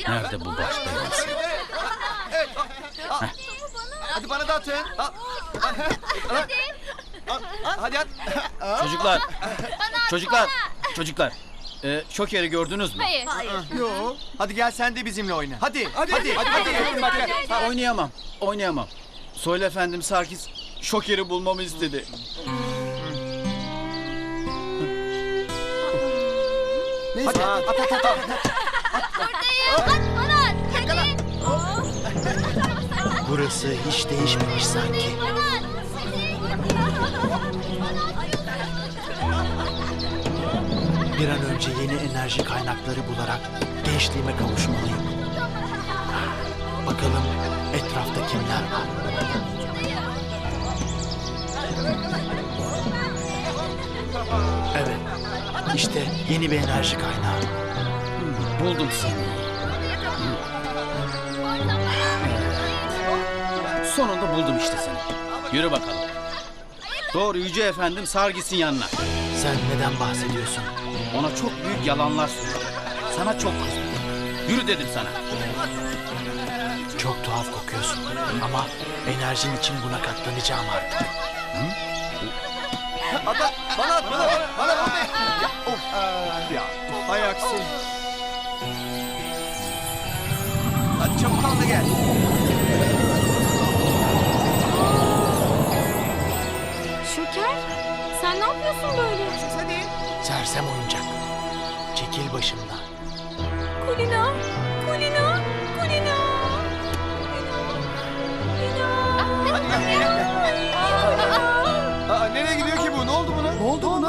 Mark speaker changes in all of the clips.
Speaker 1: Nerede bu baş belası?
Speaker 2: Hadi bana da atın. Hadi at.
Speaker 1: Çocuklar. Şoker'i gördünüz mü?
Speaker 3: Hayır.
Speaker 2: Yok. Hadi gel sen de bizimle oyna. Hadi.
Speaker 1: Oynayamam. Söyle efendim, Sarkis Şoker'i bulmamı istedi.
Speaker 2: Hadi at.
Speaker 3: Buradayım. At bana at. Hadi.
Speaker 4: Burası hiç değişmemiş sanki.
Speaker 3: Bana at.
Speaker 4: Bir an önce yeni enerji kaynakları bularak gençliğime kavuşmalıyım. Bakalım etrafta kimler var? Evet, işte yeni bir enerji kaynağı.
Speaker 1: Buldum seni. Sonunda buldum işte seni. Yürü bakalım. Doğru Yüce Efendim Sargis'in yanına.
Speaker 4: Sen neden bahsediyorsun?
Speaker 1: Ona çok büyük yalanlar söyledim. Sana çok kızdım. Yürü dedim sana.
Speaker 4: Çok tuhaf kokuyorsun ama enerjin için buna katlanacağım artık.
Speaker 2: Bana at. Of. Ya. Hay aksi. Hadi çabuk al da gel.
Speaker 3: Şoker, sen ne yapıyorsun böyle?
Speaker 2: Hadi.
Speaker 4: Sersem oyuncak. Çekil başımdan.
Speaker 3: Kulina.
Speaker 2: Nereye gidiyor ki bu? Ne oldu buna? Ne oldu buna?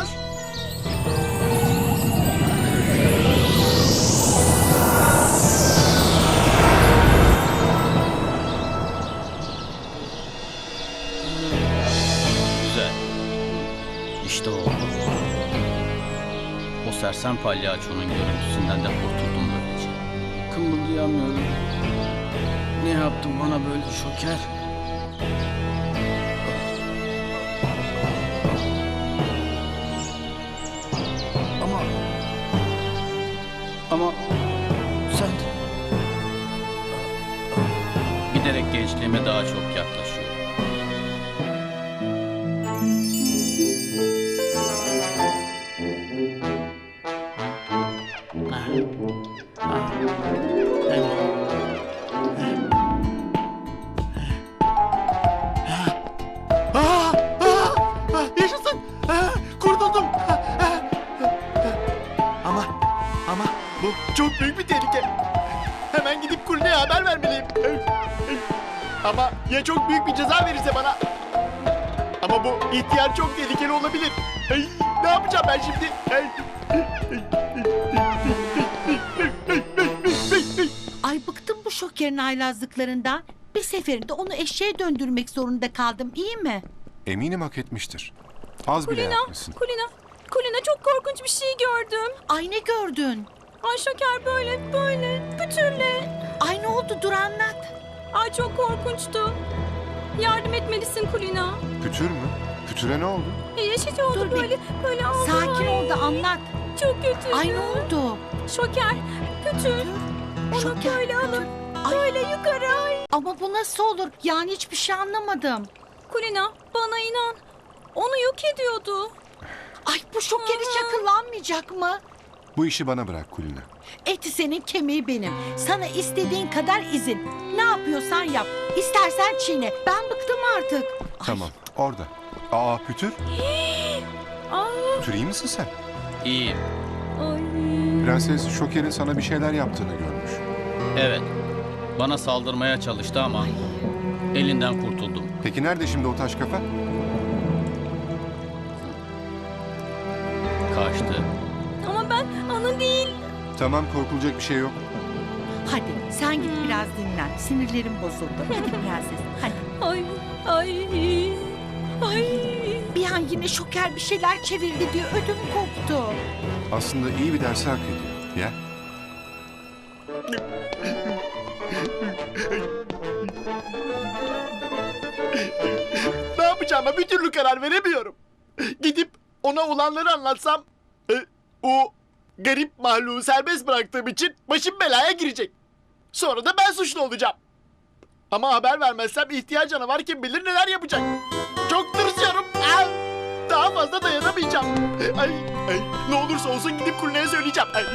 Speaker 1: Güzel. İşte o. O sersem palyaçonun görüntüsünden de kurtuldum böylece. Kımıldayamıyorum. Ne yaptın bana böyle Şoker? Ama sen giderek gençliğime daha çok yaklaşıyorum.
Speaker 4: Yaşasın! Kurtuldum! Ama bu çok büyük bir tehlike. Hemen gidip Kulina'ya haber vermeliyim. Ama ya çok büyük bir ceza verirse bana? Ama bu ihtiyar çok tehlikeli olabilir. Ne yapacağım ben şimdi?
Speaker 5: Ay bıktım bu Şoker'in haylazlıklarından. Bir seferinde onu eşeğe döndürmek zorunda kaldım, iyi mi?
Speaker 6: Eminim hak etmiştir. Az bile yapmışsın.
Speaker 3: Kulina çok korkunç bir şey gördüm.
Speaker 5: Ay ne gördün?
Speaker 3: Ay Şoker böyle pütürle.
Speaker 5: Ay ne oldu, dur anlat.
Speaker 3: Ay çok korkunçtu. Yardım etmelisin Kulina.
Speaker 6: Pütür mü? Pütüre ne oldu?
Speaker 3: Yeşil oldu
Speaker 5: Dur bir-
Speaker 3: böyle oldu.
Speaker 5: Sakin
Speaker 3: Ay,
Speaker 5: ol da anlat.
Speaker 3: Çok kötü.
Speaker 5: Ay ne oldu?
Speaker 3: Şoker, pütür. Onu
Speaker 5: Şoker,
Speaker 3: böyle alıp
Speaker 5: Ay.
Speaker 3: böyle yukarı. Ay.
Speaker 5: Ama bu nasıl olur? Yani hiçbir şey anlamadım.
Speaker 3: Kulina bana inan. Onu yok ediyordu.
Speaker 5: Ay bu Şoker hiç akıllanmayacak mı?
Speaker 6: Bu işi bana bırak Kulina.
Speaker 5: Eti senin, kemiği benim. Sana istediğin kadar izin. Ne yapıyorsan yap. İstersen çiğne. Ben bıktım artık. Ay,
Speaker 6: Tamam, orada. Aa Pütür,
Speaker 3: Aa,
Speaker 6: Pütür iyi misin sen?
Speaker 1: İyiyim.
Speaker 3: ay.
Speaker 6: Prenses Şoker'in sana bir şeyler yaptığını görmüş.
Speaker 1: Evet. Bana saldırmaya çalıştı ama elinden kurtuldum.
Speaker 6: Peki nerede şimdi o taş kafa?
Speaker 1: Kaçtı.
Speaker 3: Ama ben onun değil.
Speaker 6: Tamam, korkulacak bir şey yok.
Speaker 5: Hadi sen git biraz dinlen. Sinirlerim bozuldu. Hadi prenses. Hadi.
Speaker 3: Ay, ay.
Speaker 5: Bir an yine Şoker bir şeyler çevirdi diye ödüm koptu.
Speaker 6: Aslında iyi bir dersi hak ediyor. Ya.
Speaker 4: Ne yapacağıma bir türlü karar veremiyorum. Gidip ona olanları anlatsam... o garip mahluğu serbest bıraktığım için başım belaya girecek. Sonra da ben suçlu olacağım. Ama haber vermezsem ihtiyar canavar kim bilir neler yapacak. Çok tırsıyorum. Ay, daha fazla dayanamayacağım. Ay, ne olursa olsun gidip Kulina'ya söyleyeceğim. Ay.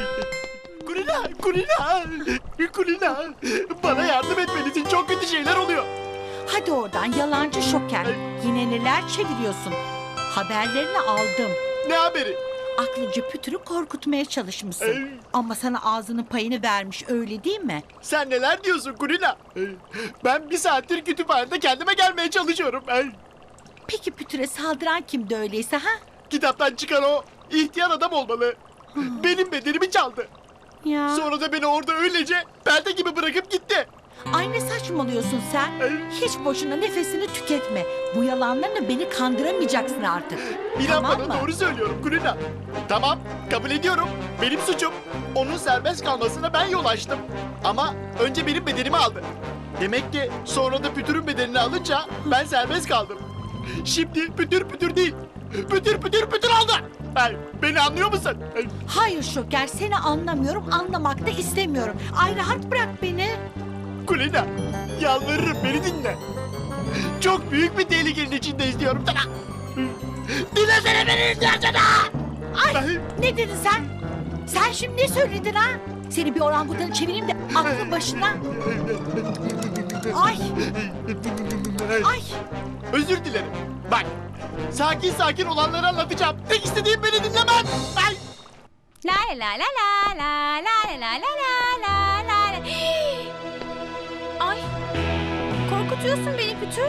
Speaker 4: Kulina. Bana yardım etmelisin. Çok kötü şeyler oluyor.
Speaker 5: Hadi oradan yalancı Şoker. Yine neler çeviriyorsun? Haberlerini aldım.
Speaker 4: Ne haberi?
Speaker 5: Aklınca Pütür'ü korkutmaya çalışmışsın.
Speaker 4: Ay.
Speaker 5: Ama sana ağzının payını vermiş, öyle değil mi?
Speaker 4: Sen neler diyorsun Kulina? Ben bir saattir kütüphanede kendime gelmeye çalışıyorum. Ay.
Speaker 5: Peki Pütür'e saldıran kimdi öyleyse ha?
Speaker 4: Kitaptan çıkan o ihtiyar adam olmalı. Benim bedenimi çaldı.
Speaker 5: Ya.
Speaker 4: Sonra da beni orada öylece perde gibi bırakıp gitti.
Speaker 5: Ay ne saçmalıyorsun sen?
Speaker 4: Ay.
Speaker 5: Hiç boşuna nefesini tüketme. Bu yalanlarla beni kandıramayacaksın artık.
Speaker 4: İnan
Speaker 5: Tamam
Speaker 4: bana
Speaker 5: mı?
Speaker 4: doğru söylüyorum Kulina. Tamam, kabul ediyorum. Benim suçum. Onun serbest kalmasına ben yol açtım. Ama önce benim bedenimi aldı. Demek ki sonra da Pütür'ün bedenini alınca ben serbest kaldım. Şimdi pütür değil. Pütür oldu. Ay, beni anlıyor musun? Ay,
Speaker 5: Hayır Şoker, seni anlamıyorum, anlamak da istemiyorum. Ay rahat bırak beni.
Speaker 4: Kulina, yalvarırım beni dinle. Çok büyük bir tehlikenin içindeyiz diyorum sana. Dinlesene beni ihtiyacına.
Speaker 5: Ay ne dedin sen? Sen şimdi ne söyledin ha? Seni bir orangutanı çevireyim de aklın başına. Ay. Ay.
Speaker 4: Özür dilerim. Bak, sakin olanları anlatacağım. Tek istediğim beni dinlemen. Ay.
Speaker 3: La la la la la la la la la la la. Ay. Korkutuyorsun beni Pütür.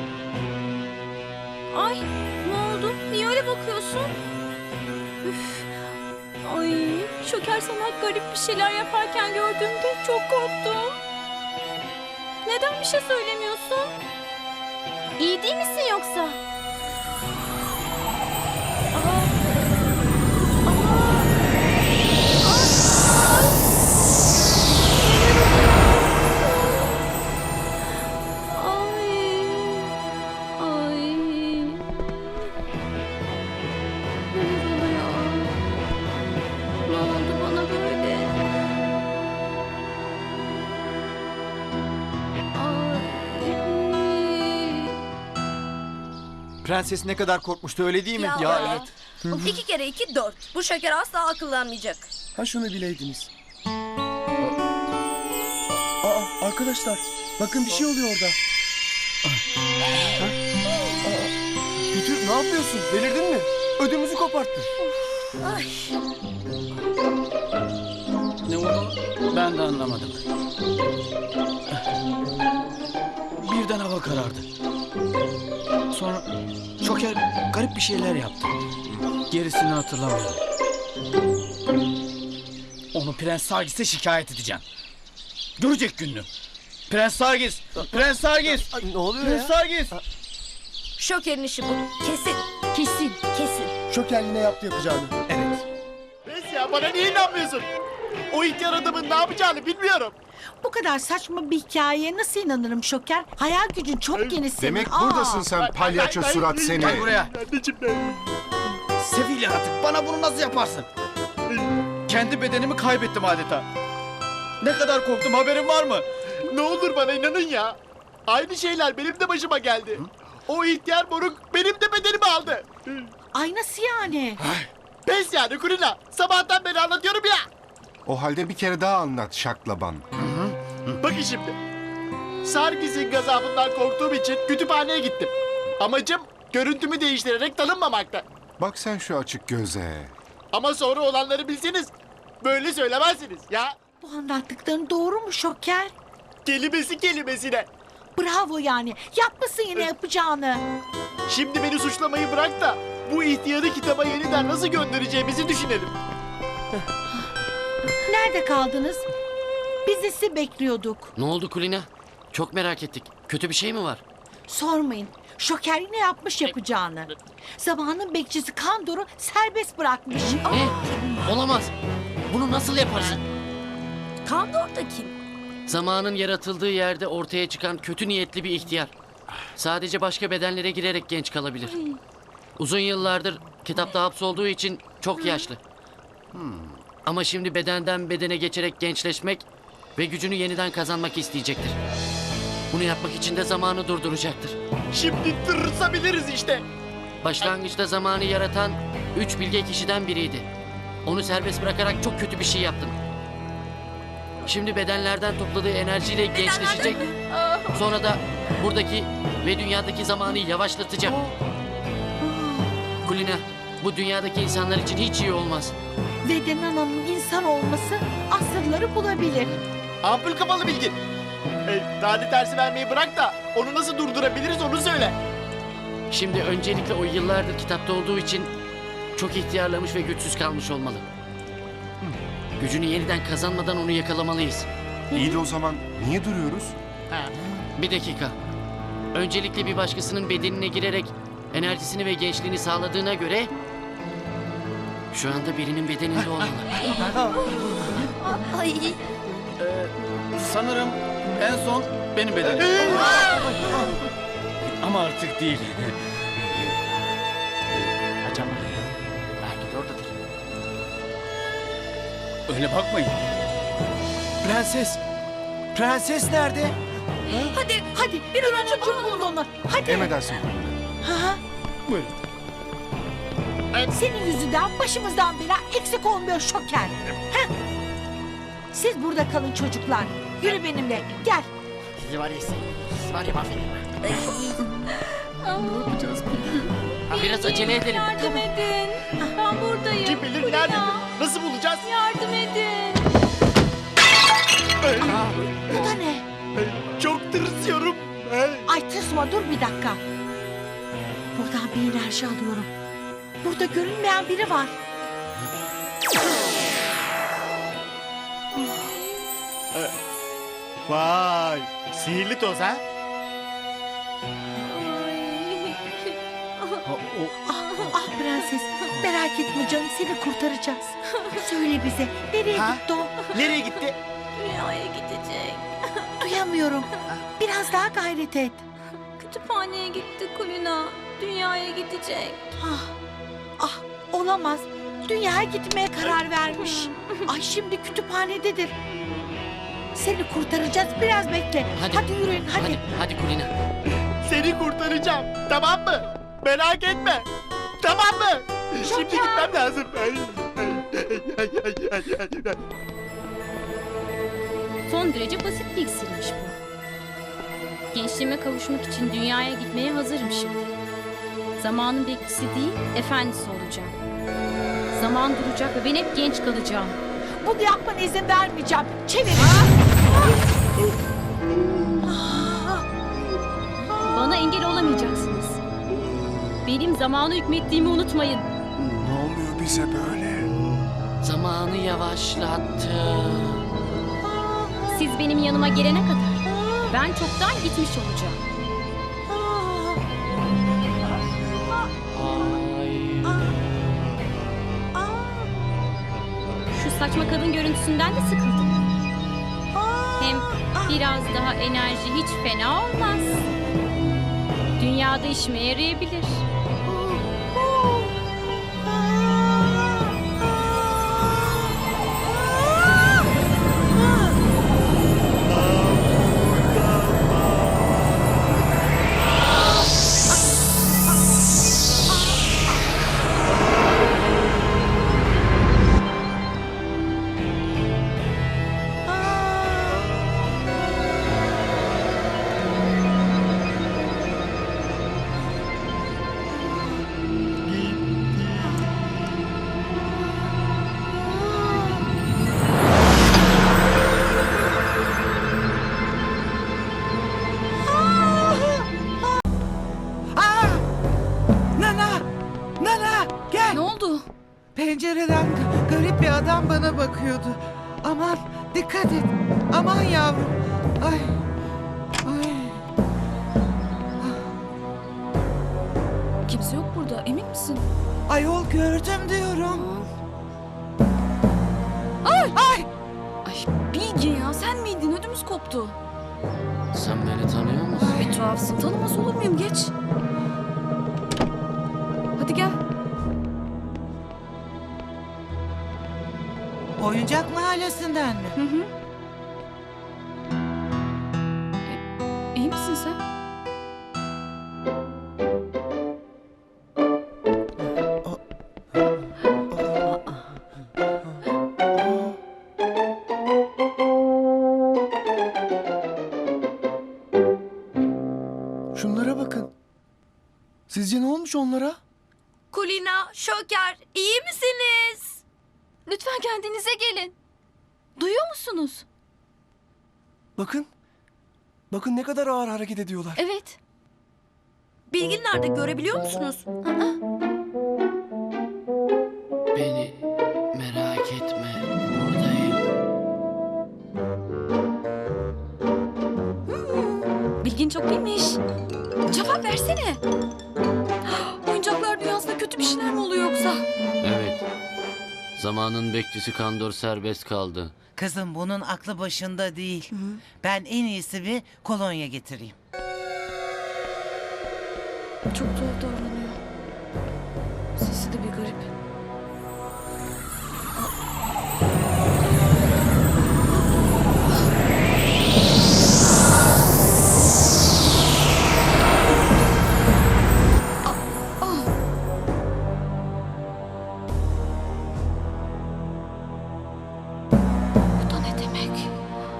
Speaker 3: Ay ne oldu? Niye öyle bakıyorsun? Üf. Ay Şoker sana garip bir şeyler yaparken gördüğümde çok korktum. Neden bir şey söylemiyorsun? İyi değil misin yoksa? Aa.
Speaker 2: Prenses ne kadar korkmuştu öyle değil mi?
Speaker 7: Ya evet. 2 kere 2 4. Bu şeker asla akıllanmayacak.
Speaker 8: Ha şunu bileydiniz. Aa arkadaşlar bakın bir şey oluyor orada.
Speaker 2: Pütür ne yapıyorsun? Delirdin mi? Ödümüzü koparttın.
Speaker 7: Ay.
Speaker 1: Ne oldu? Ben de anlamadım. Birden hava karardı. Sonra Şoker garip bir şeyler yaptı. Gerisini hatırlamıyorum. Onu Prens Sargis'e şikayet edeceğim. Görecek gününü. Prens Sargis! Prens Sargis!
Speaker 2: Ne oluyor
Speaker 1: Prens Sargis!
Speaker 7: Şoker'in işi bu. Kesin.
Speaker 5: Kesin.
Speaker 7: Kesin.
Speaker 8: Şoker yine yaptı yapacağını.
Speaker 2: Evet.
Speaker 4: Neyse ya, bana niye inanmıyorsun? O ihtiyar adamın ne yapacağını bilmiyorum.
Speaker 5: Bu kadar saçma bir hikayeye nasıl inanırım Şoker? Hayal gücün çok geniş senin.
Speaker 6: Demek
Speaker 5: Aa.
Speaker 6: buradasın sen palyaço surat seni.
Speaker 1: Gel buraya.
Speaker 4: Anneciğim ben.
Speaker 1: Sefil yaratık, bana bunu nasıl yaparsın? Kendi bedenimi kaybettim adeta. Ne kadar korktum, haberin var mı?
Speaker 4: Ne olur bana inanın ya. Aynı şeyler benim de başıma geldi. O ihtiyar moruk benim de bedenimi aldı.
Speaker 5: Ay nasıl yani?
Speaker 4: Pes yani Kulina. Sabahtan beri anlatıyorum ya.
Speaker 6: O halde bir kere daha anlat şaklaban.
Speaker 4: Bakın şimdi. Sargis'in gazabından korktuğum için kütüphaneye gittim. Amacım görüntümü değiştirerek tanınmamakta.
Speaker 6: Bak sen şu açık göze.
Speaker 4: Ama sonra olanları bilseniz böyle söylemezsiniz ya.
Speaker 5: Bu anlattıkların doğru mu Şoker?
Speaker 4: Kelimesi kelimesine.
Speaker 5: Bravo yani. Yapmasın yine yapacağını.
Speaker 4: Şimdi beni suçlamayı bırak da bu ihtiyarı kitaba yeniden nasıl göndereceğimizi düşünelim.
Speaker 5: Nerede kaldınız? Biz de sizi bekliyorduk.
Speaker 9: Ne oldu Kulina? Çok merak ettik. Kötü bir şey mi var?
Speaker 5: Sormayın. Şoker yine yapmış yapacağını. Zamanın bekçisi Kandor'u serbest bırakmış.
Speaker 9: Ne? Olamaz. Bunu nasıl yaparsın?
Speaker 7: Kandor da kim?
Speaker 9: Zamanın yaratıldığı yerde ortaya çıkan kötü niyetli bir ihtiyar. Sadece başka bedenlere girerek genç kalabilir. Uzun yıllardır kitapta hapsolduğu için çok yaşlı. Ama şimdi bedenden bedene geçerek gençleşmek ve gücünü yeniden kazanmak isteyecektir. Bunu yapmak için de zamanı durduracaktır.
Speaker 4: Şimdi tırsabiliriz işte.
Speaker 9: Başlangıçta zamanı yaratan 3 bilge kişiden biriydi. Onu serbest bırakarak çok kötü bir şey yaptın. Şimdi bedenlerden topladığı enerjiyle gençleşecek. Sonra da buradaki ve dünyadaki zamanı yavaşlatacak. Kulina, bu dünyadaki insanlar için hiç iyi olmaz.
Speaker 5: Ve de Nana'nın insan olması asırları bulabilir.
Speaker 4: Ampul kafalı bilgin. Tane tersi vermeyi bırak da onu nasıl durdurabiliriz onu söyle.
Speaker 9: Şimdi öncelikle o yıllardır kitapta olduğu için çok ihtiyarlamış ve güçsüz kalmış olmalı. Gücünü yeniden kazanmadan onu yakalamalıyız.
Speaker 6: İyi de o zaman niye duruyoruz?
Speaker 9: Bir dakika. Öncelikle bir başkasının bedenine girerek enerjisini ve gençliğini sağladığına göre şu anda birinin bedeninde olmalı.
Speaker 7: Ay.
Speaker 1: Sanırım en son benim bedenim. Ama artık değil.
Speaker 4: Acaba belki de oradadır.
Speaker 1: Öyle bakmayın.
Speaker 8: Prenses. Prenses nerede?
Speaker 7: Hadi.
Speaker 5: Hadi bir an önce bulun onu. Hadi.
Speaker 6: Emredersin Kulina.
Speaker 5: Ha?
Speaker 1: Buyurun.
Speaker 5: Senin yüzünden başımızdan bela eksik olmuyor Şoker. Heh. Siz burada kalın çocuklar. Yürü benimle. Gel.
Speaker 4: Sizi var ya sizi var ya mahvedeyim.
Speaker 9: Biraz acele edelim.
Speaker 3: Yardım edin. Ben buradayım.
Speaker 4: Kim bilir
Speaker 3: Kulina,
Speaker 4: nerededir? Nasıl bulacağız?
Speaker 3: yardım edin.
Speaker 5: Bu da ne?
Speaker 4: Çok tırsıyorum.
Speaker 5: Ay tırsma dur bir dakika. Buradan bir enerji alıyorum. Burada görünmeyen biri var.
Speaker 4: Vay, sihirli toz ha?
Speaker 5: Ah prenses merak etme canım seni kurtaracağız. Söyle bize nereye
Speaker 4: Ha?
Speaker 5: gitti o?
Speaker 4: Nereye gitti?
Speaker 3: Dünyaya gidecek.
Speaker 5: Duyamıyorum. Biraz daha gayret et.
Speaker 3: Kütüphaneye gitti Kulina. Dünyaya gidecek.
Speaker 5: Ah olamaz. Dünyaya gitmeye karar vermiş. Ay şimdi kütüphanededir. Seni kurtaracağız biraz bekle.
Speaker 9: Hadi.
Speaker 5: Yürüyün hadi.
Speaker 9: Hadi Kulina.
Speaker 4: Seni kurtaracağım. Tamam mı? Merak etme. Tamam mı? Şimdi gitmem lazım.
Speaker 3: Son derece basit bir iksirmiş bu. Gençliğime kavuşmak için dünyaya gitmeye hazırım şimdi. Zamanın bekçisi değil, efendisi olacağım. Zaman duracak ve ben hep genç kalacağım.
Speaker 5: Bunu yapmana izin vermeyeceğim. Çevir.
Speaker 3: Bana engel olamayacaksınız. Benim zamanı hükmettiğimi unutmayın.
Speaker 6: Ne oluyor bize böyle?
Speaker 9: Zamanı yavaşlattı.
Speaker 3: Siz benim yanıma gelene kadar ben çoktan gitmiş olacağım.
Speaker 9: Ay.
Speaker 3: Şu saçma kadın görüntüsünden de sıkıldım. Hem biraz daha enerji hiç fena olmaz. Dünyada işime yarayabilir.
Speaker 10: Nana! Nana! Gel!
Speaker 3: Ne oldu?
Speaker 10: Pencereden garip bir adam bana bakıyordu. Aman dikkat et. Aman yavrum. Ay. Ay.
Speaker 3: Kimse yok burada, emin misin?
Speaker 10: Ayol gördüm diyorum. Ay! Ay!
Speaker 3: Ay Bilge ya, sen miydin? Ödümüz koptu.
Speaker 9: Sen beni tanıyor musun?
Speaker 3: Bir tuhafsın, tanımaz olur muyum? Geç. Hadi gel.
Speaker 10: Oyuncak mahallesinden mi?
Speaker 3: Hı hı.
Speaker 2: Sizce ne olmuş onlara?
Speaker 7: Kulina, Şoker, iyi misiniz?
Speaker 3: Lütfen kendinize gelin. Duyuyor musunuz?
Speaker 2: Bakın. Bakın ne kadar ağır hareket ediyorlar.
Speaker 3: Evet.
Speaker 7: Bilgin nerede, görebiliyor musunuz?
Speaker 9: Beni merak etme. Buradayım.
Speaker 3: Bilgin çok iyiymiş. Cevap versene. Oyuncaklar dünyasında kötü bir şeyler mi oluyor yoksa?
Speaker 9: Evet. Zamanın bekçisi Kandor serbest kaldı.
Speaker 10: Kızım bunun aklı başında değil. Ben en iyisi bir kolonya getireyim.
Speaker 3: Çok tuhaf davranıyor. Sesi de bir garip. Bu da ne demek?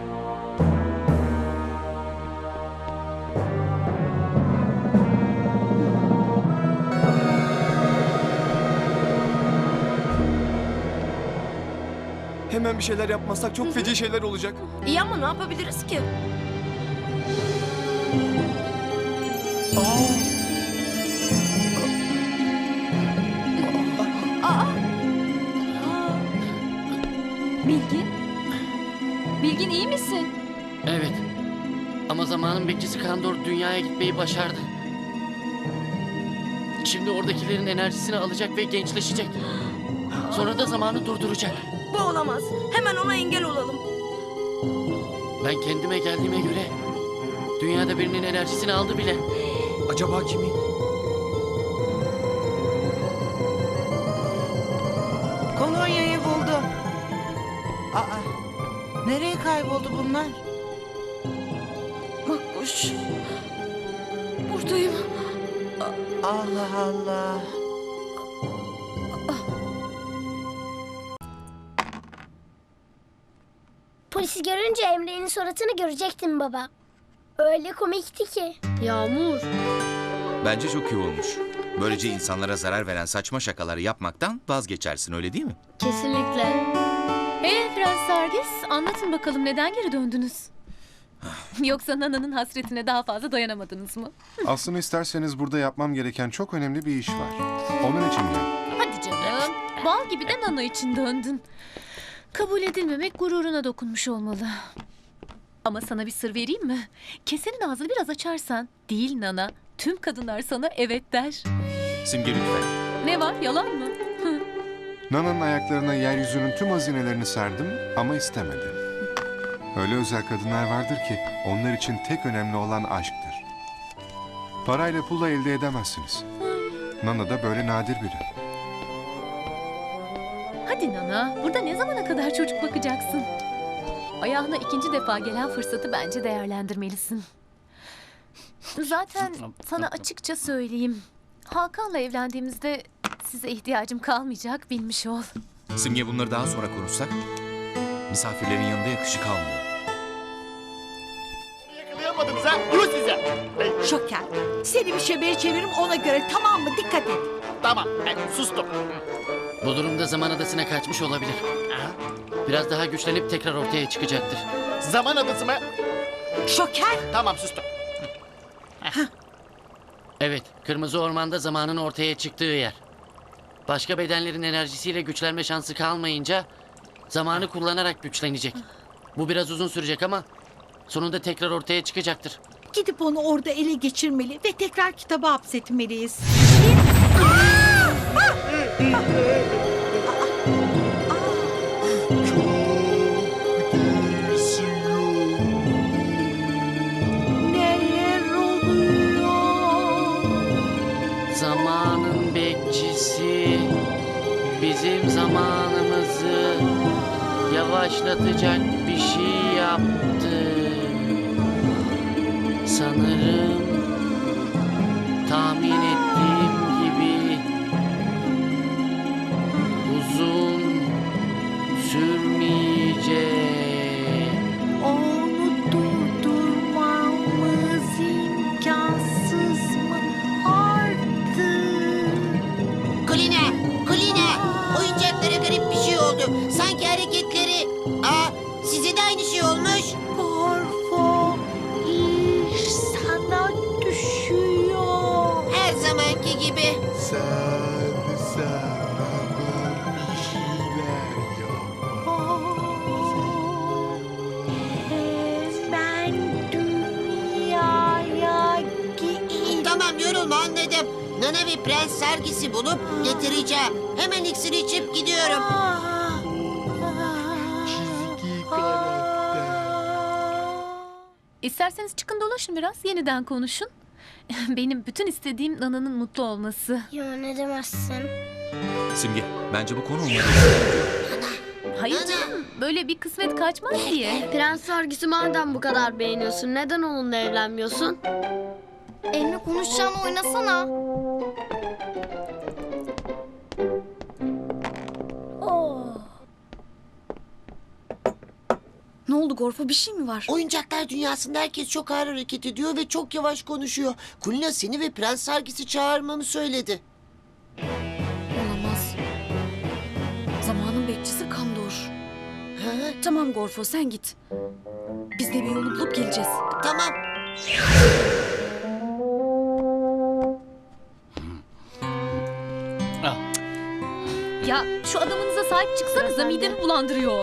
Speaker 2: Hemen bir şeyler yapmazsak çok feci şeyler olacak.
Speaker 7: İyi ama ne yapabiliriz ki?
Speaker 3: Bilgin? Bilgin iyi misin?
Speaker 9: Evet. Ama zamanın bekçisi Kandor dünyaya gitmeyi başardı. Şimdi oradakilerin enerjisini alacak ve gençleşecek. Sonra da zamanı durduracak.
Speaker 7: Bu olamaz. Hemen ona engel olalım.
Speaker 9: Ben kendime geldiğime göre dünyada birinin enerjisini aldı bile.
Speaker 2: Acaba kimin?
Speaker 10: Kolonyayı buldum. Aa, nereye kayboldu bunlar?
Speaker 3: Makbuş. Buradayım.
Speaker 10: Allah Allah.
Speaker 11: Polisi görünce Emre'nin suratını görecektim baba. Öyle komikti ki.
Speaker 3: Yağmur.
Speaker 12: Bence çok iyi olmuş. Böylece insanlara zarar veren saçma şakaları yapmaktan vazgeçersin, öyle değil mi?
Speaker 3: Kesinlikle. Prens Sargis, anlatın bakalım neden geri döndünüz? Yoksa Nana'nın hasretine daha fazla dayanamadınız mı?
Speaker 6: Aslında isterseniz burada yapmam gereken çok önemli bir iş var. Onun için geldim.
Speaker 3: Hadi canım. Bal gibi de Nana için döndün. Kabul edilmemek gururuna dokunmuş olmalı. Ama sana bir sır vereyim mi? Kesenin ağzını biraz açarsan, değil Nana, tüm kadınlar sana evet der.
Speaker 12: Simge lütfen.
Speaker 3: Ne var, yalan mı?
Speaker 6: Nana'nın ayaklarına yeryüzünün tüm hazinelerini serdim ama istemedi. Öyle özel kadınlar vardır ki onlar için tek önemli olan aşktır. Parayla pulla elde edemezsiniz. Nana da böyle nadir biri.
Speaker 3: Hadi Nana, burada ne zamana kadar çocuk bakacaksın? Ayağına ikinci defa gelen fırsatı bence değerlendirmelisin. Zaten sana açıkça söyleyeyim. Hakan'la evlendiğimizde size ihtiyacım kalmayacak, bilmiş ol.
Speaker 12: Simge, bunları daha sonra konuşsak misafirlerin yanında yakışık almıyor.
Speaker 4: Yakalayamadınız ha? Yuh size.
Speaker 5: Şoker. Seni bir şebeye çeviririm ona göre, tamam mı? Dikkat et.
Speaker 4: Tamam, sustum.
Speaker 9: Bu durumda zaman adasına kaçmış olabilir. Biraz daha güçlenip tekrar ortaya çıkacaktır.
Speaker 4: Zaman adası mı?
Speaker 5: Şoker.
Speaker 4: Tamam, sustum.
Speaker 9: Evet, Kırmızı Orman'da zamanın ortaya çıktığı yer. Başka bedenlerin enerjisiyle güçlenme şansı kalmayınca zamanı kullanarak güçlenecek. Bu biraz uzun sürecek ama sonunda tekrar ortaya çıkacaktır.
Speaker 5: Gidip onu orada ele geçirmeli ve tekrar kitaba hapsetmeliyiz. Neler oluyor?
Speaker 9: Zamanın bekçisi bizim zamanımızı yavaşlatacak bir şey yaptı. Sanırım tahmin ettiğim gibi uzun sürmeyecek.
Speaker 5: Onu durdurmamız imkansız mı artık?
Speaker 13: Tamam anladım. Nana ve Prens sergisi bulup getireceğim. Hemen iksiri içip gidiyorum.
Speaker 3: İsterseniz çıkın dolaşın biraz, yeniden konuşun. Benim bütün istediğim Nana'nın mutlu olması.
Speaker 11: Ya ne demezsin.
Speaker 12: Simge, bence bu konu olmadı.
Speaker 3: Hayır canım, böyle bir kısmet kaçmaz diye.
Speaker 7: Prens sergisi madem bu kadar beğeniyorsun, neden onunla evlenmiyorsun?
Speaker 11: Elini konuşacağını oynasana.
Speaker 3: Ne oldu Gorfo, bir şey mi var?
Speaker 13: Oyuncaklar dünyasında herkes çok ağır hareket ediyor ve çok yavaş konuşuyor. Kulina seni ve Prens sergisi çağırmamı söyledi.
Speaker 3: Olamaz. Zamanın bekçisi Kandor.
Speaker 13: Ha?
Speaker 3: Tamam Gorfo, sen git. Biz de bir yolunu bulup geleceğiz.
Speaker 13: Tamam.
Speaker 3: Ya şu adamınıza sahip çıksanıza, midemi bulandırıyor.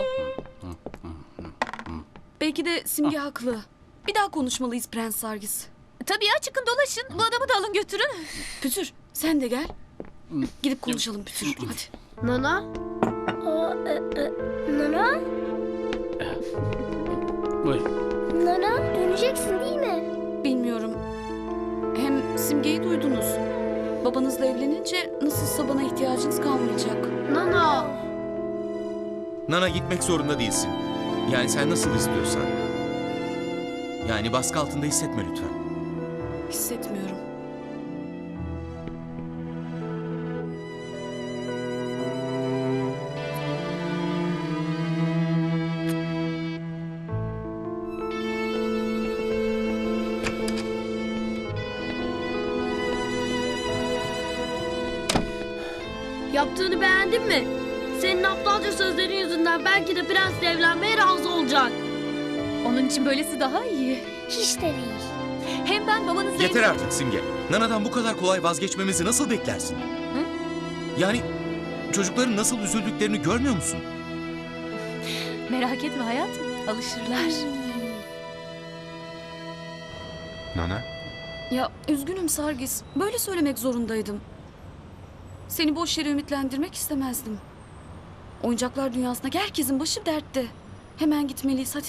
Speaker 14: Belki de Simge haklı. Bir daha konuşmalıyız Prens sergisi.
Speaker 3: Tabii ya, çıkın dolaşın. Bu adamı da alın götürün.
Speaker 14: Pütür sen de gel. Gidip konuşalım Pütür. Hadi.
Speaker 7: Nana?
Speaker 11: Nana?
Speaker 1: Buyur.
Speaker 11: Nana döneceksin değil mi?
Speaker 14: Bilmiyorum. Hem Simge'yi duydunuz. Babanızla evlenince nasılsa bana ihtiyacınız kalmayacak.
Speaker 7: Nana!
Speaker 12: Nana, gitmek zorunda değilsin. Yani sen nasıl istiyorsan. Yani baskı altında hissetme lütfen.
Speaker 14: Hissetmiyorum.
Speaker 7: Yaptığını beğendin mi? Senin aptalca sözlerin yüzünden belki de prensle evlenmeye razı olacak.
Speaker 3: Onun için böylesi daha iyi.
Speaker 11: Hiç de değil.
Speaker 3: Hem ben babanızla...
Speaker 12: Yeter artık Simge. Nana'dan bu kadar kolay vazgeçmemizi nasıl beklersin?
Speaker 3: Hı?
Speaker 12: Yani çocukların nasıl üzüldüklerini görmüyor musun?
Speaker 3: Merak etme hayatım, alışırlar.
Speaker 6: Nana,
Speaker 14: Ya üzgünüm Sargis. Böyle söylemek zorundaydım. Seni boş yere ümitlendirmek istemezdim. Oyuncaklar dünyasındaki herkesin başı dertte. Hemen gitmeliyiz hadi.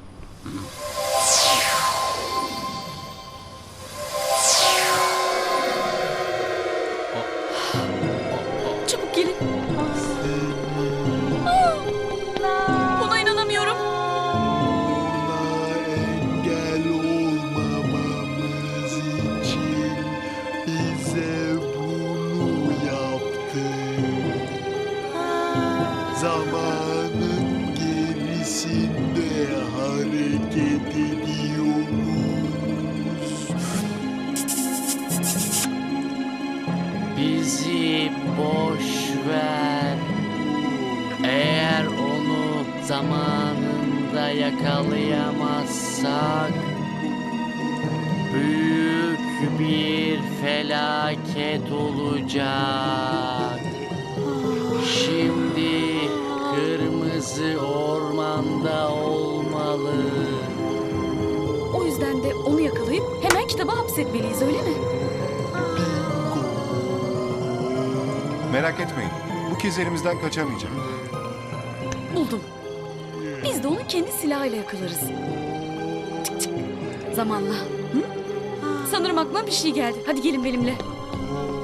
Speaker 14: Çabuk gelin. Buna inanamıyorum.
Speaker 4: Engel olmamamız için bize bunu yaptı. Zamanın gerisinde hareket ediyoruz.
Speaker 9: Bizi boş ver. Eğer onu zamanında yakalayamazsak büyük bir felaket olacak. Şimdi kırmızı ormanda olmalı.
Speaker 14: O yüzden de onu yakalayıp hemen kitaba hapsetmeliyiz öyle mi?
Speaker 6: merak etmeyin. Bu kez elimizden kaçamayacak.
Speaker 14: Buldum. Biz de onu kendi silahıyla yakalarız. Çık çık. Zamanla. Hı? Sanırım aklıma bir şey geldi. Hadi gelin benimle.